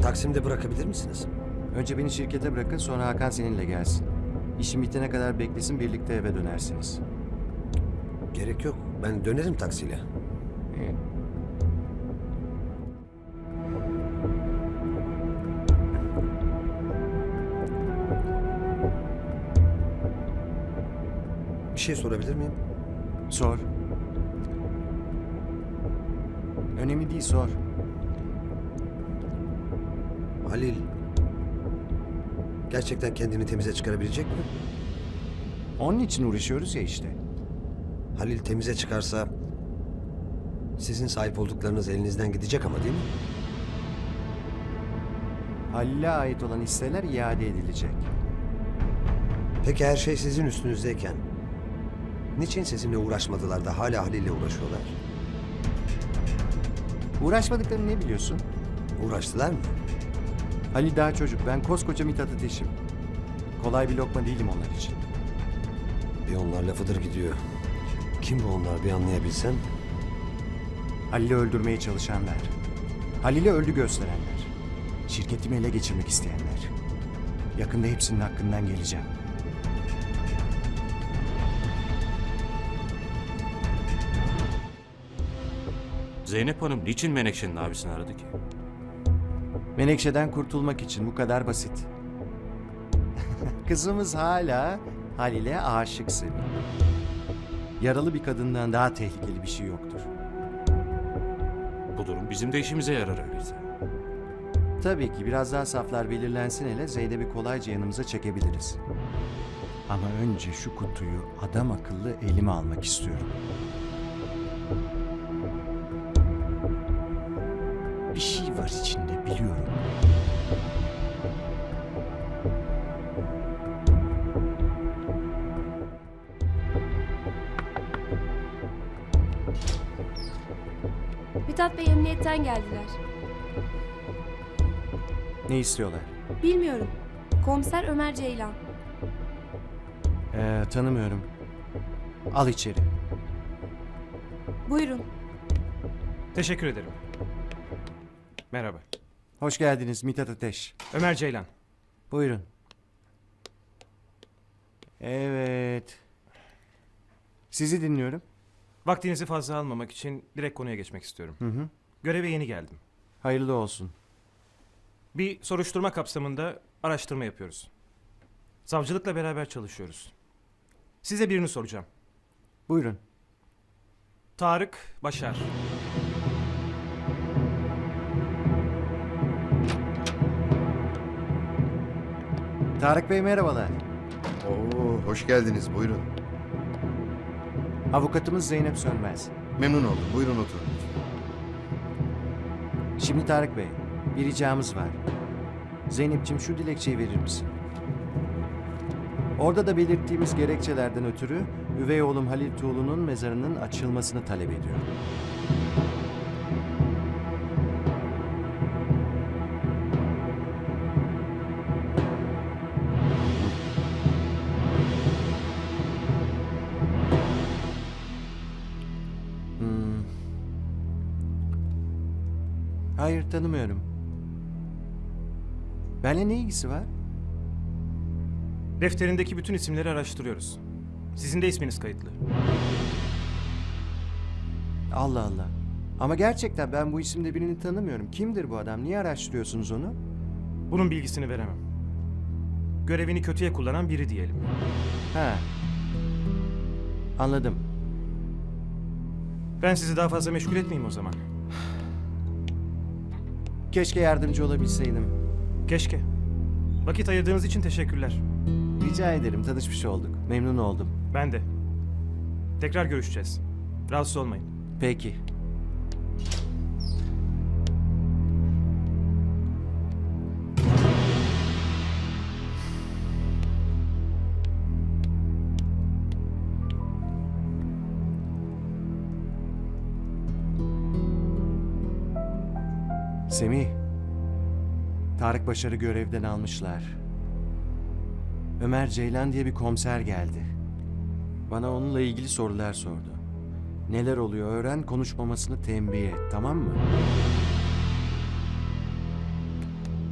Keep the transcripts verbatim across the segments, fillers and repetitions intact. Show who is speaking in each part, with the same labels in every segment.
Speaker 1: Taksim'de bırakabilir misiniz?
Speaker 2: Önce beni şirkete bırakın, sonra Hakan seninle gelsin. İşim bitene kadar beklesin, birlikte eve dönersiniz.
Speaker 1: Gerek yok. Ben dönerim taksiyle.
Speaker 2: İyi.
Speaker 1: Bir şey sorabilir miyim?
Speaker 2: Sor. Önemli değil, sor.
Speaker 1: Halil gerçekten kendini temize çıkarabilecek mi?
Speaker 2: Onun için uğraşıyoruz ya işte.
Speaker 1: Halil temize çıkarsa sizin sahip olduklarınız elinizden gidecek ama değil mi?
Speaker 2: Halil'e ait olan hisseler iade edilecek.
Speaker 1: Peki her şey sizin üstünüzdeyken niçin sizinle uğraşmadılar da hala Halil'le uğraşıyorlar?
Speaker 2: Uğraşmadıklarını ne biliyorsun?
Speaker 1: Uğraştılar mı?
Speaker 2: Halil daha çocuk, ben koskoca Mithat Ateş'im. Kolay bir lokma değilim onlar için.
Speaker 1: Bir onlar lafıdır gidiyor. Kim bu onlar bir anlayabilsem?
Speaker 2: Halil'i öldürmeye çalışanlar. Halil'i öldü gösterenler. Şirketimi ele geçirmek isteyenler. Yakında hepsinin hakkından geleceğim.
Speaker 3: Zeynep Hanım niçin Menekşe'nin abisini aradı ki?
Speaker 2: Menekşe'den kurtulmak için, bu kadar basit. Kızımız hala Halil'e aşık Semih. Yaralı bir kadından daha tehlikeli bir şey yoktur.
Speaker 3: Bu durum bizim de işimize yarar öyleyse.
Speaker 2: Tabii ki biraz daha saflar belirlensin, hele Zeynep'i kolayca yanımıza çekebiliriz. Ama önce şu kutuyu adam akıllı elime almak istiyorum. Bir şey var içinde, biliyorum.
Speaker 4: Mithat Bey emniyetten geldiler.
Speaker 2: Ne istiyorlar?
Speaker 4: Bilmiyorum. Komiser Ömer Ceylan.
Speaker 2: Ee, tanımıyorum. Al içeri.
Speaker 4: Buyurun.
Speaker 5: Teşekkür ederim. Merhaba.
Speaker 2: Hoş geldiniz Mithat Ateş.
Speaker 5: Ömer Ceylan.
Speaker 2: Buyurun. Evet. Sizi dinliyorum.
Speaker 5: Vaktinizi fazla almamak için direkt konuya geçmek istiyorum.
Speaker 2: Hı hı.
Speaker 5: Göreve yeni geldim.
Speaker 2: Hayırlı olsun.
Speaker 5: Bir soruşturma kapsamında araştırma yapıyoruz. Savcılıkla beraber çalışıyoruz. Size birini soracağım.
Speaker 2: Buyurun.
Speaker 5: Tarık Başar.
Speaker 2: Tarık Bey merhabalar.
Speaker 6: Oo, hoş geldiniz. Buyurun.
Speaker 2: Avukatımız Zeynep Sönmez.
Speaker 6: Memnun oldum. Buyurun oturun.
Speaker 2: Şimdi Tarık Bey, bir ricamız var. Zeynep'ciğim şu dilekçeyi verir misin? Orada da belirttiğimiz gerekçelerden ötürü üvey oğlum Halil Tuğlu'nun mezarının açılmasını talep ediyorum. Hmm. Hayır, tanımıyorum. Benimle ne ilgisi var?
Speaker 5: Defterindeki bütün isimleri araştırıyoruz. Sizin de isminiz kayıtlı.
Speaker 2: Allah Allah. Ama gerçekten ben bu isimde birini tanımıyorum. Kimdir bu adam? Niye araştırıyorsunuz onu?
Speaker 5: Bunun bilgisini veremem. Görevini kötüye kullanan biri diyelim.
Speaker 2: Ha. Anladım.
Speaker 5: Ben sizi daha fazla meşgul etmeyeyim o zaman.
Speaker 2: Keşke yardımcı olabilseydim.
Speaker 5: Keşke. Vakit ayırdığınız için teşekkürler.
Speaker 2: Rica ederim. Tanışmış olduk. Memnun oldum.
Speaker 5: Ben de. Tekrar görüşeceğiz. Rahatsız olmayın.
Speaker 2: Peki. Semih. Tarık Başar'ı görevden almışlar. Ömer Ceylan diye bir komiser geldi. Bana onunla ilgili sorular sordu. Neler oluyor öğren, konuşmamasını tembih et, tamam mı?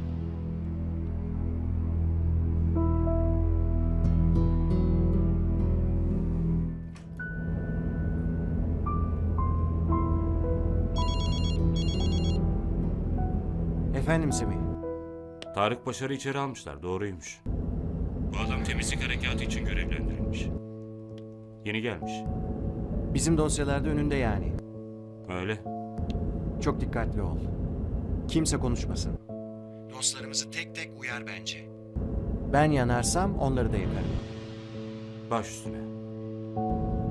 Speaker 2: Efendim Semih.
Speaker 3: Tarık Başar'ı içeri almışlar. Doğruymuş. Bu adam temizlik harekatı için görevlendirilmiş. Yeni gelmiş.
Speaker 2: Bizim dosyalarda önünde yani.
Speaker 3: Öyle.
Speaker 2: Çok dikkatli ol. Kimse konuşmasın. Dostlarımızı tek tek uyar bence. Ben yanarsam onları da yakarım.
Speaker 3: Baş üstüne.